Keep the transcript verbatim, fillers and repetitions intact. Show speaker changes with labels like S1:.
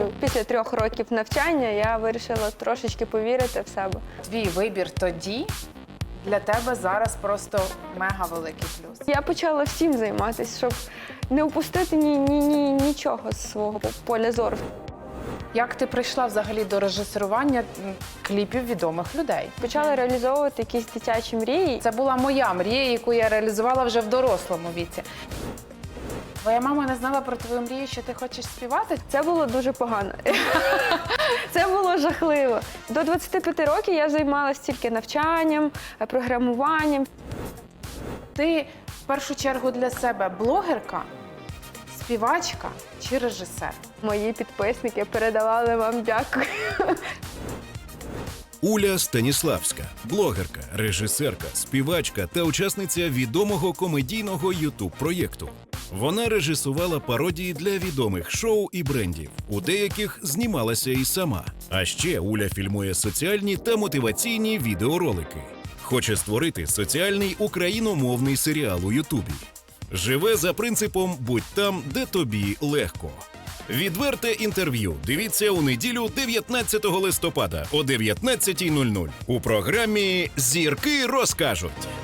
S1: думаю, після трьох років навчання я вирішила трошечки повірити в себе.
S2: Твій вибір тоді для тебе зараз просто мега великий плюс.
S1: Я почала всім займатися, щоб не упустити ні, ні, ні, нічого з свого поля зору.
S2: Як ти прийшла взагалі до режисерування м, кліпів відомих людей?
S1: Почала реалізовувати якісь дитячі мрії.
S2: Це була моя мрія, яку я реалізувала вже в дорослому віці. Твоя мама не знала про твою мрію, що ти хочеш співати?
S1: Це було дуже погано. Це було жахливо. До двадцяти п'яти років я займалася тільки навчанням, програмуванням.
S2: Ти в першу чергу для себе блогерка, співачка чи режисер?
S1: Мої підписники передавали вам дякую.
S3: Уля Станіславська – блогерка, режисерка, співачка та учасниця відомого комедійного ютуб-проєкту. Вона режисувала пародії для відомих шоу і брендів. У деяких знімалася і сама. А ще Уля фільмує соціальні та мотиваційні відеоролики. Хоче створити соціальний україномовний серіал у Ютубі. Живе за принципом «Будь там, де тобі легко». Відверте інтерв'ю дивіться у неділю дев'ятнадцятого листопада о дев'ятнадцятій нуль нуль у програмі «Зірки розкажуть».